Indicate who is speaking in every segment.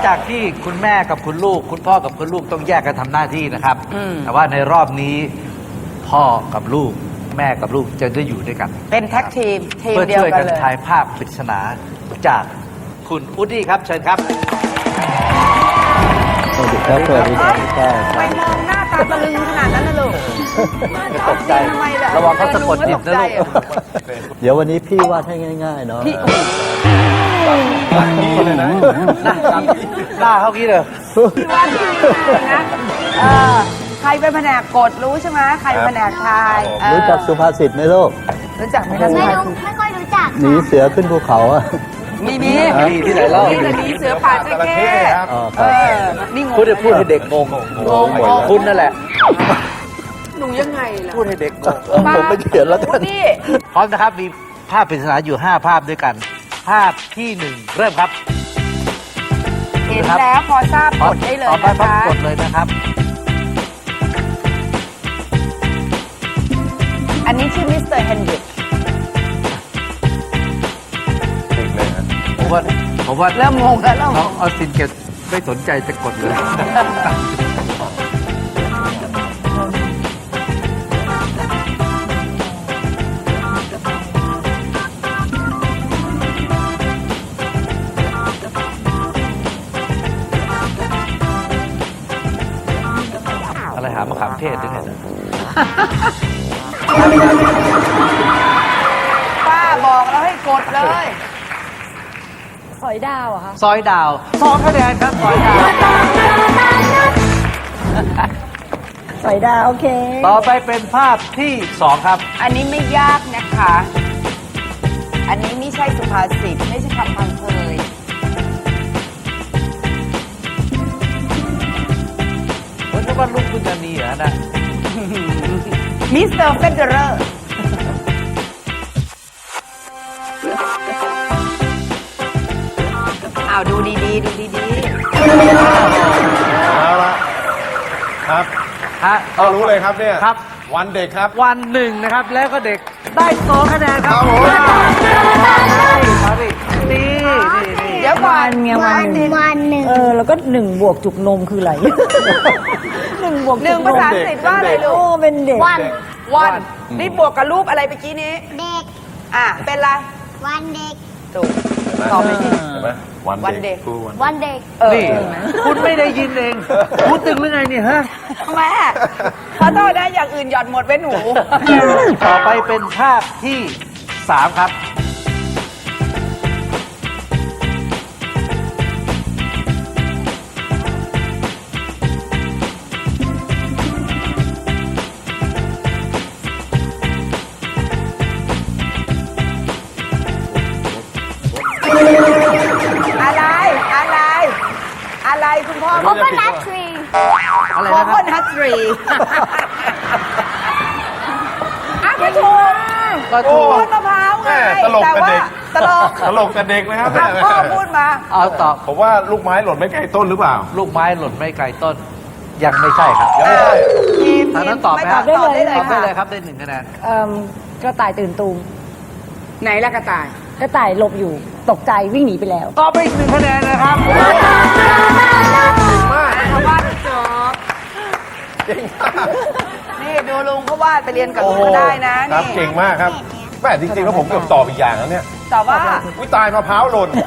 Speaker 1: จากที่คุณแม่กับคุณลูกคุณพ่อกับคุณลูกต้องแยกกันทำหน้าที่นะครับแต่ว่าในรอบนี้พ่อกับลูกแม่กับลูกจะได้อยู่ด้วยกัน
Speaker 2: เป็นแท็กทีมทีม
Speaker 1: เพื่อ
Speaker 2: เดียว
Speaker 1: ช่วย
Speaker 2: กั
Speaker 1: กัน น
Speaker 2: เลย
Speaker 1: ทายภาพปริศนาจากคุณอุดดี้ครับเชิญครับ
Speaker 3: สวัสดีครับสวัสดีครับพี่ก้าว
Speaker 2: ไปมองหน้าตาตะลึงขนาดนั้นนะลูก
Speaker 1: จะตกใจ
Speaker 2: ทำไมล่ะ
Speaker 1: ระวังเขาสะกดจิตนะลูก
Speaker 3: เดี๋ยววันนี้พี่วาดให้ง่ายๆเนาะ
Speaker 1: หน้าเขากี้เลย
Speaker 2: พี่ว่าดีนะใครเป็นแผนกกดรู้ใช่ไหมใครเป็นแผนกทาย
Speaker 3: รู้จักสุภาษิตไหมลูก
Speaker 2: รู้จักไหมคะ
Speaker 4: ไม่ค่อยรู้จัก
Speaker 3: หนีเสือขึ้นภูเขาอะ
Speaker 2: มี
Speaker 1: มีที่ไหนเล่า
Speaker 2: นี่จะหนีเสือป่าจระเข้
Speaker 3: อ๋อค
Speaker 2: เอ
Speaker 3: รับ
Speaker 2: อนี่งง
Speaker 1: พูดให้เด็กงงคุณนั่นแหละ
Speaker 2: หนูยังไงล่ะ
Speaker 1: พูดให้เด็กงง
Speaker 3: ผมไม่เขียนแล้วกัน
Speaker 2: นี่
Speaker 1: พร้อมนะครับมีภาพปริศนาอยู่ 5 ภาพด้วยกัน ภาพที่ 1 เริ่มครับ
Speaker 2: เห็นแล้วพอทราบกดได้เลย
Speaker 1: ต่อไป
Speaker 2: นะ
Speaker 1: พับ
Speaker 2: คะ
Speaker 1: กดเลยนะครับ
Speaker 2: อันนี้ชื่อมิสเตอร์เฮนริก
Speaker 1: ผมว่า
Speaker 2: เริ่มงงแล้วเริ่มง
Speaker 1: น้อง
Speaker 2: ง
Speaker 1: ออสตินเกตไม่สนใจจะกดเลย อะไรหามะขามเทศด้วยเนี่ย
Speaker 2: ป้าบอกแล้วให้กดเลย
Speaker 5: สอยดาวเหรอคะ
Speaker 1: ซอยดาว2 คะแนนครับซอยดาว
Speaker 5: สอยดาวโอเค
Speaker 1: ต่อไปเป็นภาพที่ 2 ครับ
Speaker 2: อันนี้ไม่ยากนะคะ อันนี้ไม่ใช่สุภาษิตไม่ใช่คำพังเพย
Speaker 1: ผมนึกว่าลูกคุณจะมีเหรอนะ
Speaker 2: มิสเตอร์เฟเดอร์อ้าวดูดีๆ ดูดี
Speaker 6: เอาละครับ
Speaker 1: ฮะ
Speaker 6: เอารู้เลยครับเนี่ย
Speaker 1: ครับ
Speaker 6: วันเด็กครับ
Speaker 1: วันหนึ่งนะครับ แล้วก็เด็กได้2 คะแนนครับ
Speaker 6: ครับผม
Speaker 1: มาดินี่
Speaker 2: ๆ เดี๋ยวก่อน
Speaker 5: เมียวันหนึ่ง
Speaker 4: วันหนึ่ง
Speaker 5: แล้วก็1 บวกจุกนมคืออะไร 1 บวก
Speaker 2: ห
Speaker 5: จุ
Speaker 2: นึ่ง
Speaker 5: กน
Speaker 2: ภาม ษาอังกฤษว่าอะไรลู
Speaker 5: โอ้
Speaker 2: ก
Speaker 5: เป็นเด็ก
Speaker 4: วัน
Speaker 2: วันนี่บวกกับรูปอะไรเมื่อกี้นี้
Speaker 4: เด็ก
Speaker 2: เป็นไร
Speaker 4: วันเด็ก
Speaker 2: ถูกตอบไปสิ
Speaker 6: เห็นไหม
Speaker 2: วันเด็ก
Speaker 6: ครูวัน
Speaker 4: วันเด็ก
Speaker 1: นี่คุณไม่ได้ยินเองพูดตึงหรือไงเนี่ยฮะ
Speaker 2: แม่ขอโทษนะอย่างอื่นหย่อนหมดไว้หนู
Speaker 1: ต่อไปเป็นภาพที่ 3 ครับ
Speaker 2: อะไร อะไร อะไรคุณพ่อ
Speaker 4: โคโคนัททรี
Speaker 1: อะไร
Speaker 2: โค
Speaker 1: นะค
Speaker 2: โครับ นัททรีไม่ถูก
Speaker 1: ก็ถูก
Speaker 2: ต้นมะพร้าวไง
Speaker 6: แม่ตลก
Speaker 2: แต่
Speaker 6: กับ
Speaker 2: ว่า
Speaker 6: เด็ก
Speaker 2: ตลก
Speaker 6: ตลกแต่เด็กนะครับ
Speaker 2: พ่อพูดมา
Speaker 1: เอาตอบ
Speaker 6: ผมว่าลูกไม้หล่นไม่ไกลต้นหรือเปล่า
Speaker 1: ลูกไม้หล่นไม่ไกลต้น ยังไม่ใช่ครับ
Speaker 6: ยังไม่ใช่
Speaker 2: ทีม
Speaker 1: ทางนั้นตอบไหม
Speaker 2: ไม่
Speaker 1: ค
Speaker 2: ต
Speaker 1: รั
Speaker 2: อ
Speaker 1: บบ
Speaker 2: ตอบได้เลย
Speaker 1: ตอบได้
Speaker 2: ค่ะ
Speaker 1: เลยครับได้ 1 คะแนน
Speaker 5: กระต่ายตื่นตูม
Speaker 2: ไหนละกระต่าย
Speaker 5: กระต่ายหลบอยู่ตกใจวิ่งหนีไปแล้ว
Speaker 1: ตอบไปอีก1 คะแนนนะครับ
Speaker 2: ชาวบ้านจบนี่ดูลุงเขาวาดไปเรียนกับลุงก็ได้นะครับ นี่
Speaker 6: เก่งมากครับแม่จริงๆแล้วผมเกือบตอบอีกอย่างแล้วเนี่ย
Speaker 2: แต่ว่า
Speaker 6: วิตายมะพร้าวหล่น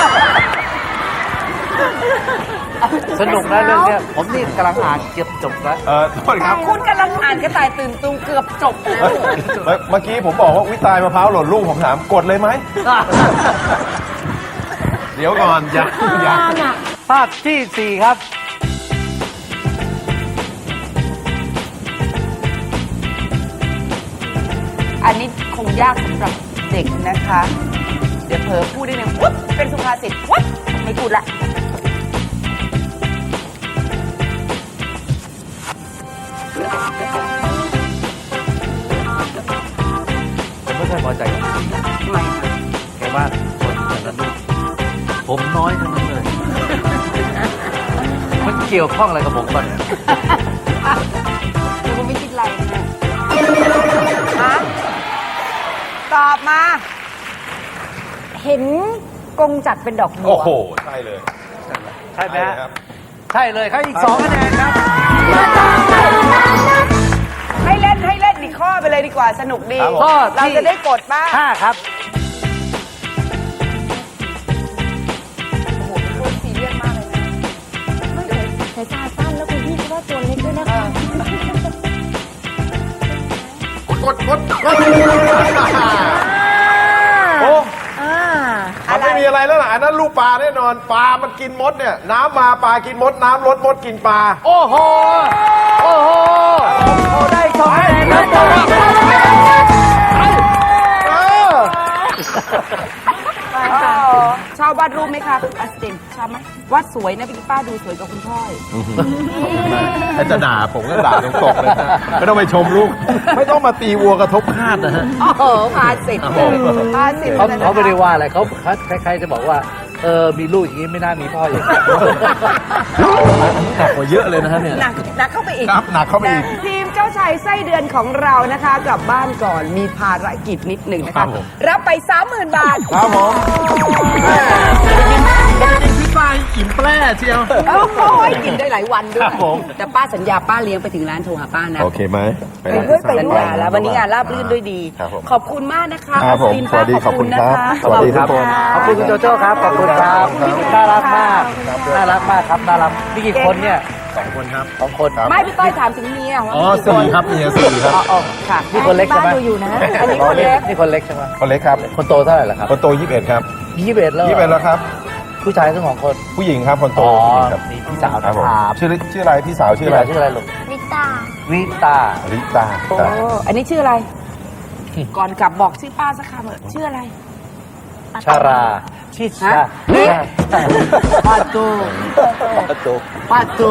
Speaker 1: สนุกนะเรื่องเนี้ยผมนี่กำลังอ่านเกือบจบแล้ว
Speaker 6: โทษครับ
Speaker 2: คุณกำลังอ่านกระต่ายตื่นตูมเกือบจบแล้ว
Speaker 6: เมื่อกี้ผมบอกว่าวิตายมะพร้าวหล่นลูกผมถามกดเลยไหม เดี๋ยวก่อนอย่า
Speaker 1: ภาพที่ 4 ครับ
Speaker 2: อันนี้คงยากสำหรับเด็กนะคะ เดี๋ยวเผลอพูดได้หนึ่งปุ๊บเป็นสุภาษิตปุ๊บไม่พูดละ
Speaker 1: ผมไม่ค่อยพอใจกับพี่
Speaker 2: ทำไมคะ
Speaker 1: แกว่าคนแต่ละลูกผมน้อยทั้งนั้นเลย มันเกี่ยวข้องอะไรกับผมก่อนเนี่ย
Speaker 2: ดูคุณไม่คิดอะไรนะฮะตอบมา
Speaker 5: เห็นกงจักรเป็นดอกบั
Speaker 6: โอ้
Speaker 5: ว
Speaker 6: โห ใช่เลย
Speaker 1: ใช่ไหมฮะ
Speaker 6: ครับ
Speaker 1: ใช่เลยครับอีก2คะแนนครับ
Speaker 2: ให้เล่นอีกข้อไปเลยดีกว่าสนุกดี
Speaker 6: ครับผม
Speaker 1: ข้อ
Speaker 2: เรา
Speaker 1: ที่
Speaker 2: จะได้กดบ้าง
Speaker 1: 5ครับ
Speaker 2: โอ้โหเป็นคนซีเรียสมากเลยนะ
Speaker 5: สายตาสั้นแล้วคุณพี่ก็ว่าตัวเล็กด้วยนะคะ
Speaker 6: กดโอ้ มันไม่มีอะไรแล้วล่ะอันนั้นลูกปลาแน่นอน ปลามันกินมดเนี่ย น้ำมาปลากินมด น้ำลดมดกินปลา
Speaker 1: โอ้โห โอ้โหเขาได้2คะแนนแล้วบอกว่า
Speaker 2: ชอบวาดรูปไหมคะอัสตินชอบไหมวาดสวยนะพี่ป้าดูสวยกว่าคุณพ่ออีก
Speaker 6: ถ้าจะด่าผมก็ด่าตรงๆเลยนะไม่ต้องไปชมลูก ไม่ต้องมาตีวัวกระทบคาดนะฮะ
Speaker 2: โอ้โหพาสิทธิ์พาสิทธิ์
Speaker 1: เขาไม่ได้ว่าอะไรเขาใครๆจะบอกว่า มีลูกอย่างนี้ไม่น่ามีพ่ออย่างนี้
Speaker 6: หนักกว่าเยอะเลยนะฮะเนี่ย
Speaker 2: หนักเข้าไปอีก
Speaker 6: ครับหนักเข้าไปอีก
Speaker 2: ทีมเจ้าชายไส้เดือนของเรานะคะกลับบ้านก่อนมีภารกิจนิดหนึ่งนะ
Speaker 6: ครั
Speaker 2: คะ
Speaker 6: บผม
Speaker 2: รับไป 30,000 บาท
Speaker 6: ครับผมพี่ปลาอิ่มแปร่เชียว
Speaker 2: โอ้โหกินได้หลายวันด้วย
Speaker 6: ครับผม
Speaker 2: แต่ป้าสัญญาป้าเลี้ยงไปถึงร้านโทรหาป้านะ
Speaker 6: โอเคไหม
Speaker 2: ไปด้วยสัญญาแล้ววันนี้งานราบรื่นด้วยดี
Speaker 6: ครับผม
Speaker 2: ขอบคุณมากนะคะ
Speaker 6: ครับผม
Speaker 2: อัศวิน
Speaker 6: สวัสดี
Speaker 2: ป้า
Speaker 6: ขอบคุณ
Speaker 2: นะ
Speaker 6: ครั
Speaker 2: คะ
Speaker 6: บสวัสดีทุกคน
Speaker 1: ขอบคุณคุณโจโจ้ครับ ขอบคุณครับน่ารักมาก น่ารักมากครับ น่ารักมีกี่คนเนี่ย
Speaker 6: 2 คนครับ
Speaker 1: 2 คน
Speaker 6: ครับ
Speaker 2: ไม่พี่ต้อยถามถึงเมียว่า
Speaker 6: อ๋อ
Speaker 2: มีกี่คน
Speaker 6: 4 ครับเมีย4 ครับ
Speaker 2: อ๋อค่ะ
Speaker 1: นี่คนเล็กใช่ไหม
Speaker 5: บ้านดูอยู่นะ
Speaker 2: อันนี้คนเล็ก
Speaker 1: นี่คนเล็กใช่ไหม
Speaker 6: คนเล็กครับ
Speaker 1: คนโตเท่าไหร่ล่ะครับ
Speaker 6: คนโต21 ครับ
Speaker 1: 21แล้ว
Speaker 6: 21แล้วครับ
Speaker 1: ผู้ชายทั้ง2 คน
Speaker 6: ผู้หญิงครับ คนโต
Speaker 1: อ๋อ
Speaker 6: ผู้หญิงครับ
Speaker 1: มีพี่สาว
Speaker 6: ครั
Speaker 1: นะ
Speaker 6: บผม
Speaker 1: ครับ
Speaker 6: ชื่ออะไรพี่สาวชื่อ
Speaker 1: พี่
Speaker 6: อะไร
Speaker 1: สาวชื่ออะไรลูก
Speaker 4: วิตา
Speaker 1: วิตา
Speaker 6: ริตา
Speaker 2: โอ้
Speaker 6: ครับ
Speaker 2: อันนี้ชื่ออะไร ก่อนกลับบอกชื่อป้าสักคำเถอะชื่ออะไร
Speaker 1: ชาราชิชา
Speaker 2: ฮะ
Speaker 1: ปาตู
Speaker 3: ประตู
Speaker 1: ปาตู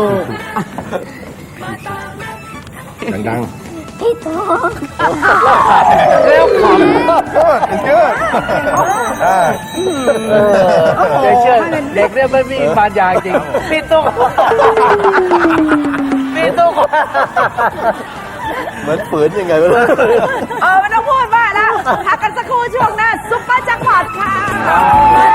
Speaker 6: ดัง
Speaker 4: พี่โต
Speaker 1: เร็วขำ
Speaker 6: ๆเกิด
Speaker 1: เด็กเชื่อเด็กเนี่ยไม่มีบานยางจริงปิดตู้ปิดตู้
Speaker 3: เหมือนฝืนยังไงไม่รู้
Speaker 2: ไม่ต้องพูดมากนะพักกันสักครู่ช่วงหน้าซุปเปอร์แจ็คพอตค่ะ